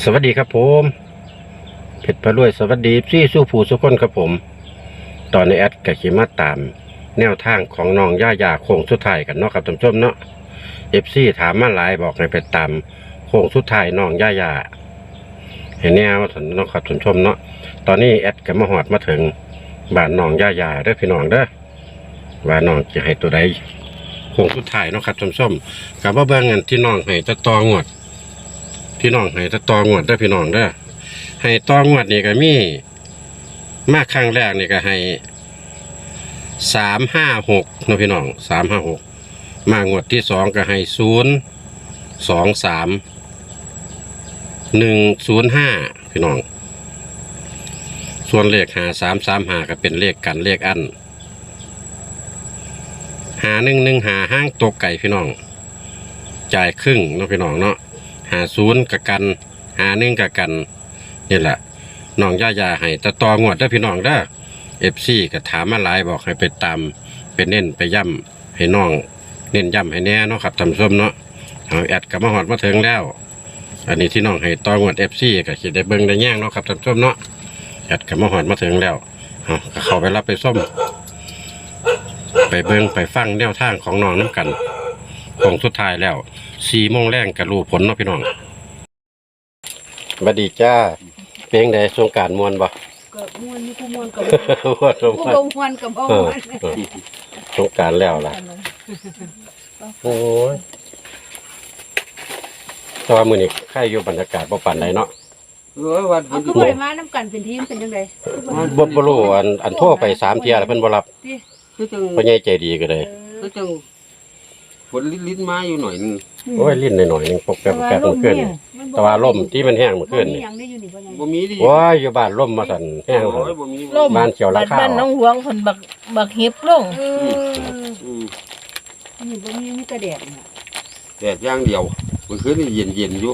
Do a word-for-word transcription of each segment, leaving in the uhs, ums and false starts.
สวัสดีครับผมเพชรพารวยสวัสดีซี่สู้ผู้สุกคนครับผมตอนในแอดกับขีมาตามแนวทางของน้องย่าย่าโค้งสุดท้ายกันเนาะครับท่านผู้ชมเนาะเอฟซีถามมาหลายบอกให้ไปตามโค้งสุดท้ายน้องย่าย่าเห็นแนวท่านน้องครับท่านผู้ชมเนาะตอนนี้แอดกับมาหอดมาถึงบ้านน้องย่าย่าเด้อพี่น้องเด้อว่าน้องจะให้ตัวใดโค้งสุดท้ายเนาะครับท่านผู้ชมกับว่าเบื้องเงินที่น้องให้จะตองวดพี่น้องให้จะตองวดเด้อพี่น้องเด้อให้ตองวดนี่ก็มีมาครั้งแรกนี่ก็ให้สามห้าหกนะพี่น้องสามห้าหกมางวดที่สองก็ให้ศูนย์สองสามหนึ่งศูนย์ห้าพี่น้องส่วนเลขหาสามสามหาก็เป็นเลขกันเลขอันหาหนึ่งหนึ่งหาห้างตกไก่พี่น้องจ่ายครึ่งนะพี่น้องเนาะหาศูนย์กับกันหาหนึ่งกับกันนี่แหละน้องย่าย่าให้ตะตองวดได้พี่น้องได้เอฟซีก็ถามมาหลายบอกให้ไปตามไปเน้นไปย่ำให้น้องเน้นย่ำให้แน่เนาะครับทำส้มเนาะเอาแอดกับมาหอดมาถึงแล้วอันนี้ที่น้องให้ตองวดเอฟซีก็คิดได้เบิ้งได้แย่งเนาะครับทำส้มเนาะแอดกับมาหอดมาถึงแล้วเอาก็เข้าไปรับไปส้มไปเบิ้งไปฟังแนวทางของน้องน้ำกันของสุดท้ายแล้วสี่โมงแรงกับรูผลเนาะพี่น้องบัดดีจ้าเพลงใดสงกรานต์มวนบ่ก็ม่วนนี่ผู้ม่วนกับม่วนสงผู้กรานบ่ต์ม่วนกับบ่เอม่อวนเออสงกรานต์แล้วล่ะโอ้ยแต่ว่ามื้อนี้ใครอยู่บรรยากาศบ่ปานใดเนาะเออวันเอาคือบ่ได้มานํกันเป็นทีมเป็นจังได๋บ่บ่รู้อันอันโทรไปสามเที่ยแล้วเพิ่นบ่รับติคือจังพ่อใหญ่ใจดีก็เลยคือจังฝนลิ้นๆมาอยู่หน่อยนึงโอ้ยลิ้นหน่อยๆนึงปกแป๊บแป๊บเมื่อคืนนี่แต่ว่าลมที่มันแห้งเมื่อคืนมีนี่หยังได้อยู่นี่บ่ใหญ่บ่มีดิโอ้ยอยู่บ้านลมมาสั่นแห้งโอ้เลยบ่มีล่มบ้านเขียวราคาบ้านน้องหลวงคนบักบักเห็บลงเอออืมนี่บ่มีมีแต่แดดน่ะแดดอย่างเดียวเมื่อคืนนี่เย็นๆอยู่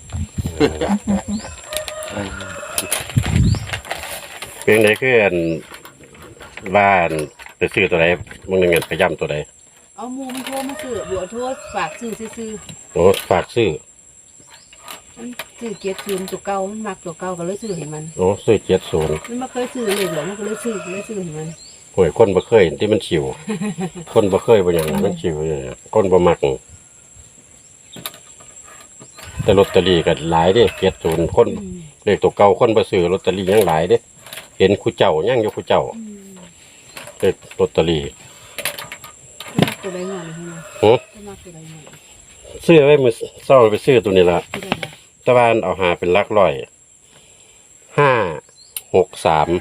เพลงใดคืออันบ้านไปซื้อตัวใดมึงนึงเงินไปย่ำตัวใดเอาหมู่มันโทรมาซื้อบ่โทรฝากซื้อซื่อโอ้ฝากซื้อๆมันซื้อเกียรติซื้อตัวเก่ามันมักตัวเก่าก็เลยซื้อให้มันโอ้ซื้อเจ็ดศูนย์มันบ่เคยซื้อเลยหรอกมันก็เลยซื้อเลยซื้อให้มันโอ้ยคนบ่เคยเห็นที่มันฉิว คนบ่เคยบ่อย่างนั้นมันฉิวอย่างนี้คนบ่มักแต่ลอตเตอรี่ก็หลายเด้เจ็ดศูนย์คนอืมเลขตัวเก่าคนบ่ซื้อลอตเตอรี่ยังหลายเด้เห็นคู่เจ้ายังอยู่คู่เจ้าอืมเลขลอตเตอรี่มักตัวใดงอนให้มันโอ้มักตัวใดงอนซื้อไว้มื้อเช้าไปซื้อตัวนี้ล่ะที่ใดล่ะตะวันเอาหาเป็นหลักร้อยห้าหกสาม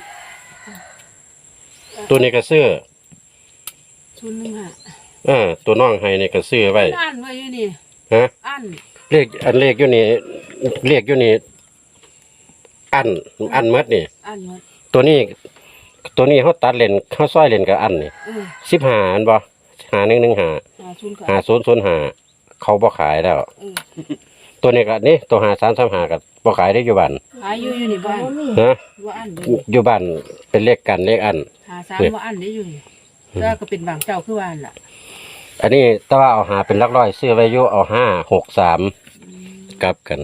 ตัวนี้ก็ซื้อศูนย์หนึ่งห้าเออตัวน้องให้นี่ก็ซื้อไว้อันไว้อยู่นี่ฮะอันเลขอันเลขอยู่นี่เลขอยู่นี่อันอันเมดนี่อันหมดตัวนี้ ตัวนี้เขาตัดเลนเขาซ้อยเลนกับอันนี่เออสิบห้าอันบ่หาหนึ่งหนึ่งหาหาศูนย์ก็หาศูนย์ศูนย์หาเขาบ่ขายแล้วเออตัวนี้ก็นี่ตัวหาสามสามหากับบ่ขายได้อยู่บ้านหาอยู่อยู่นี่บ้านฮะว่าอันอยู่อยู่บ้านเป็นเลขกันเลขอันหาสามว่าอันได้อยู่นี่แต่ก็เป็นบางเจ้าคือว่าอันล่ะอันนี้แต่ว่าเอาหาเป็นหลักร้อยซื้อไว้อยู่เอาห้าหกสามกลับกัน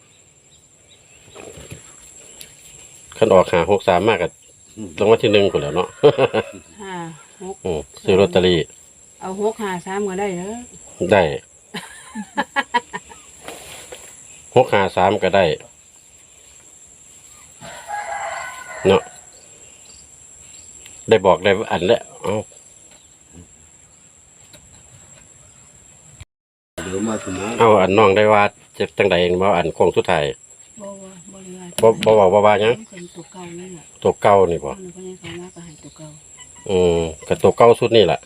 คันออกหาหกสามมากกับรางวัลที่หนึ่งคนแหล้วเนาะห้าหกอืมซื้อลอตเตอรี่เอาหกหาสามก็ได้เด้อได้ หกหาสามก็ได้เนาะได้บอกได้อันแล้วเอาเดี๋ยวมาถึงนะเอาอันน้องได้ว่าเจ็บจังใดบ่อันโค้งสุดท้ายบ่ว่าบ่ได้ว่าบ่บ่บอกบ่ว่าหยังเป็นตัวเก่านี่แหละตัวเก่านี่บ่เพราะฉะนั้นเขามาก็ให้ตัวเก่าอืมกับตัวเก่าสุดนี่แหละ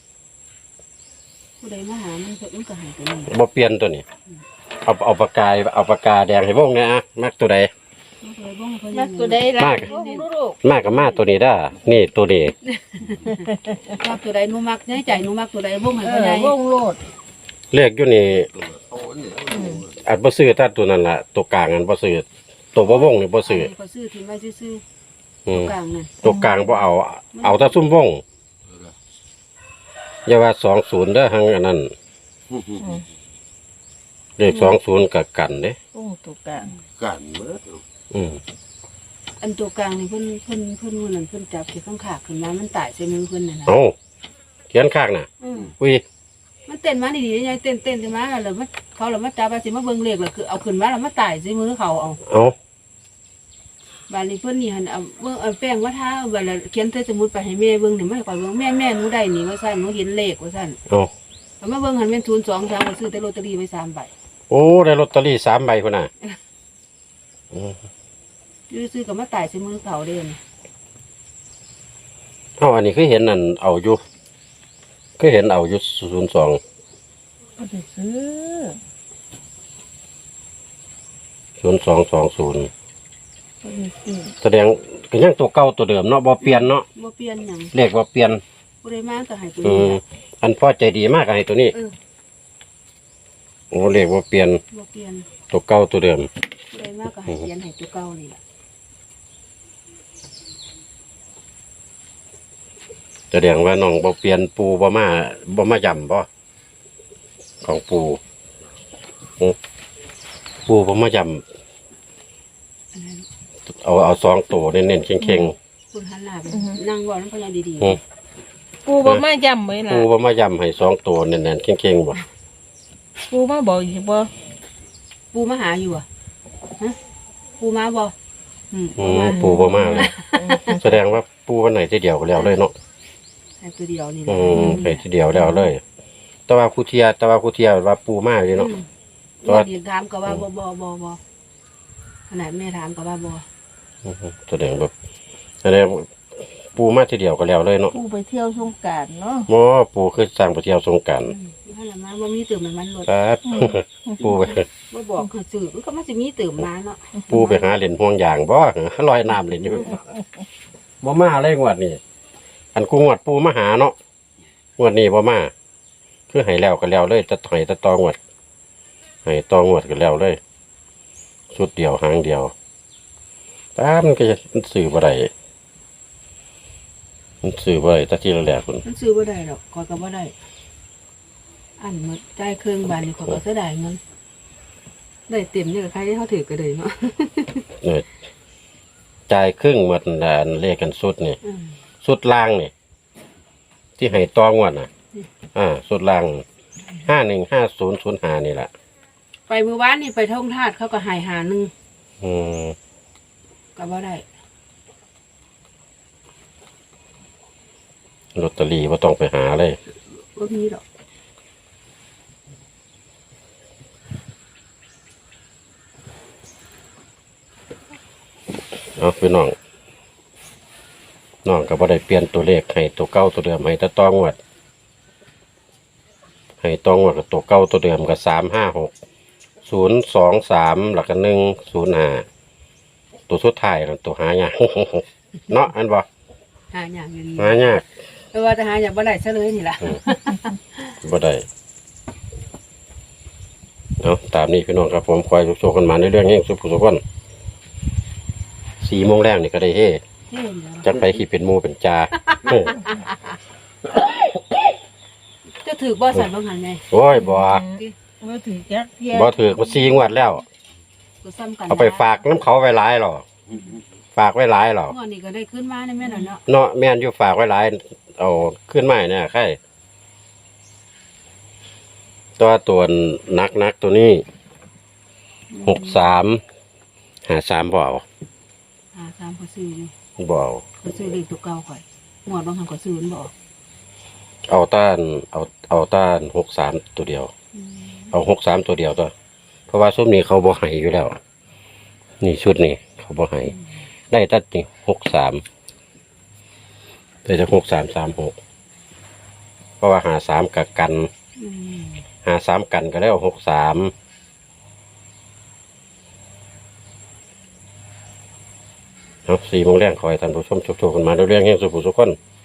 ผู้ใดมาหามันก็มันก็ให้ตัวนี้บ่เปลี่ยนตัวนี้ เอาเอาปากกาเอาปากกาแดงให้วงเนี่ยอะมักตัวใดมันก็เลยบ่ให้เพิ่นนักตัวใดล่ะมากลูกลูกมากกับมาตัวนี้ได้อนี่ตัวนี้มักตัวใดหนูมักในใจหนูมักตัวใดบ่ให้เอเพิ่นอได้วงโลดเลขอยู่นี่โอ้เนี่ยอันบ่ซื้อถ้าตัวนั้นล่ะตัวกลางอันบ่ซื้อตัวบ่วงนี่บ่ซื้อก็ซื้อทิ้งไว้ซื่ออืมๆกลางน่ะตัวกลางบ่เอา เอาแต่ซุ่มวงอย่าว่าสองศูนย์เด้อหังอันนั้นเลขสองศูนย์กับกันเด้โอ้ตัวกลางกันเบิดอืมอันตัวกลางนี่เพิ่นเพิ่นเพิ่นมื้อนั้นเพิ่นจับที่ข้างขาขึ้นมามันตายใส่มือเพิ่นน่ะนะเอาเขียนข้างน่ะอืมอุ้ยมันเต้นมาดีๆยายเต้นเต้นขึ้นมาแล้วมันเขาแล้วมาจับว่าสิมาเบิ่งเลขแล้วคือเอาขึ้นมาแล้วมาตายใส่มือเขาเอาเอาบาดนี้เพิ่นนี่หั่นเอาเบิ่งเอาแป้งมาทาบัดแล้วเขียนใส่สมุดไปให้แม่เบิ่งนี่มาให้ข่อยเบิ่งแม่แม่หนูได้นี่ว่าซั่นหนูเห็นเลขว่าซั่นเอาเอามาเบิ่งหันเป็นศูนย์สองสามก็ซื้อแต่ลอตเตอรี่ไว้สามใบโอ้ได้ลอตเตอรี่สามใบพุ่นน่ะอืมอยู่ซื้อก็มาตายใส่มือเขาเด้นี่เอาอันนี้คือเห็นนั่นเอาอยู่คือเห็นเอาอยู่ศูนย์สองก็ได้ซื้อศูนย์สองสองศูนย์ก็ได้ซื้อแสดงก็ยังตัวเก่าตัวเดิมเนาะบ่เปลี่ยนเนาะบ่เปลี่ยนหยังเลขบ่เปลี่ยนบ่ได้มาก็ให้ตัวอืนี้มล่ะอันพ่อใจดีมากให้ตัวนี้เออโอ้เลขบ่เปลี่ยนบ่เปลี่ยนตัวเก่าตัวเดิมบ่ได้มาก็ให้เขียนให้ตัวเก่านี่ล่ะแสดงว่าน้องบ่เปลี่ยนปูบ่มาบ่มาย่ำบ่ของปูอืมปูบ่มาย่อันนั้นำเอาเอาสองตัวเน้นๆเข่งคุณหันหน้าไปนั่งเว้านำพยานดีอืมปูบ่มาย้ำไว้ๆล่ะปูบ่มาย่ำให้สองตัวเน้นๆเข่งๆบ่ปูมาบอกอีกบ่ๆปูมาหาอยู่อ่ะฮะปูมาบ่อืมอืบ่มมาปูบ่มาเลยแสดงว่าปูวันไหนทีเดียวก็แล้วเลยเนาะให้ตัวเดียวนี่อืล่ะมไปทีเดียวแล้วเลย แต่ว่าผู้เทียแต่ว่าผู้เทียว่าปูมาเลยเนาะอืมแต่ว่าบ่ดีถามก็ว่าบ่บ่บ่บ่ขนาดแม่ถามก็ว่าบ่อืมแสดงแบบแสดงว่าปูมาทีเดียวก็แล้วเลยเนาะปูไปเที่ยวสงกรานต์เนาะหมอปูคือสร้างไปเที่ยวสงกรานต์อืมนั่นล่ะมาบ่มีตื่มมันมันรถครับ ปูไปบ่บอกให้ซื้อมันก็มันสิมีตื่มมาเนาะปูไปหาเล่นห่วงยางบ่ลอยน้ำเล่นอยู่บ่มาเลยงวดนี้อันกูงวดปูมาหาเนาะงวดนี้บ่มาคือให้แล้วก็แล้วเลยจะให้จะตองวดให้ตองวดก็แล้วเลยสุดเดียวหางเดียวตามมันก็จะมันสื่อบ่ได้มันสื่อบ่ได้แตะทีละแหลกพุ่นมันซื้อบ่ได้ดอกขอยก็บ่ได้ อันหมดจ่ายเครื่องบานนี่ขอยก็เสียดายเงินได้เต็มนี่ก็ใครที่เขาถือก็ได้เนาะเนี่ยจ่ายครึ่งหมดอันเลขกันสุดนี่อืมสุดล่างนี่ที่ให้ตองวดน่ะ อ่า สุดล่างห้าหนึ่งห้าศูนย์ศูนย์ห้านี่แหละไปมื้อวานนี่ไปท่องทาสเขาก็ใหายหาหนึงอืมก็บ่ได้ลอตเตอรี่ว่าต้องไปหาเลยบ่มีดอกเอาพี่น้องน้องก็บ่ได้เปลี่ยนตัวเลขให้ตัวเก้าตัวเดิมให้แต่ตองวดให้ตองวดกับตัวเก้าตัวเดิมกับสามห้าหกศูนย์สองสามหลักกันหนึ่งศูนย์ห้าตัวสุดท้ายนั่นตัวหายาก เนาะอันบ่หาอย่างอยู่ดีหายากแต่ว่าจะหาอย่างบ่ได้ซะเลยนี่ล่ะบ่ได้เนาะตามนี้พี่น้องครับผมคอยโชว์กันมาในเรื่องนี้สุขสุขคนสี่โมงแรกนี่ก็ได้เฮ้เห็นแล้วจักไปขี่เป็นหมูเป็นจา เออจะถือบ่สั่นบ่หันไงโอ้ยบ่บ่ถือจักเที่ยบ่ถือมาซีงวดแล้วก็ซ้ำกันเอาไปฝากน้ำเขาไว้หลายหรอฝากไว้หลายหรองวดนี้ก็ได้ขึ้นมาในแม่น่ะเนาะเนาะแม่นอยู่ฝากไว้หลายเอาขึ้นมาเนี่ยใครตัวตัวนักนักตัวนี้หกสามหาสามบ่เอาหาสามก็ซื้ออยู่บ่เอาก็ซื้อเลขตัวเก่าข่อยงวดบางหันก็ซื้อมันบ่ออกเอาต้านเอาเอาต้านหกสามตัวเดียวอืมเอาหกสามตัวเดียวตัวเพราะว่าซุ้มนี้เขาบ่ให้อยู่แล้ว นี่ชุดนี้เขาบ่ให้ได้ตัดนี่หกสามได้จากหกสามสามหกเพราะว่าหาสามกับกันอืมหาสามกันก็แล้วหกสามเอาสี่โมงแรงคอยท่านผู้ชมชุกๆกันมาเรื่องๆให้สุขสุขคน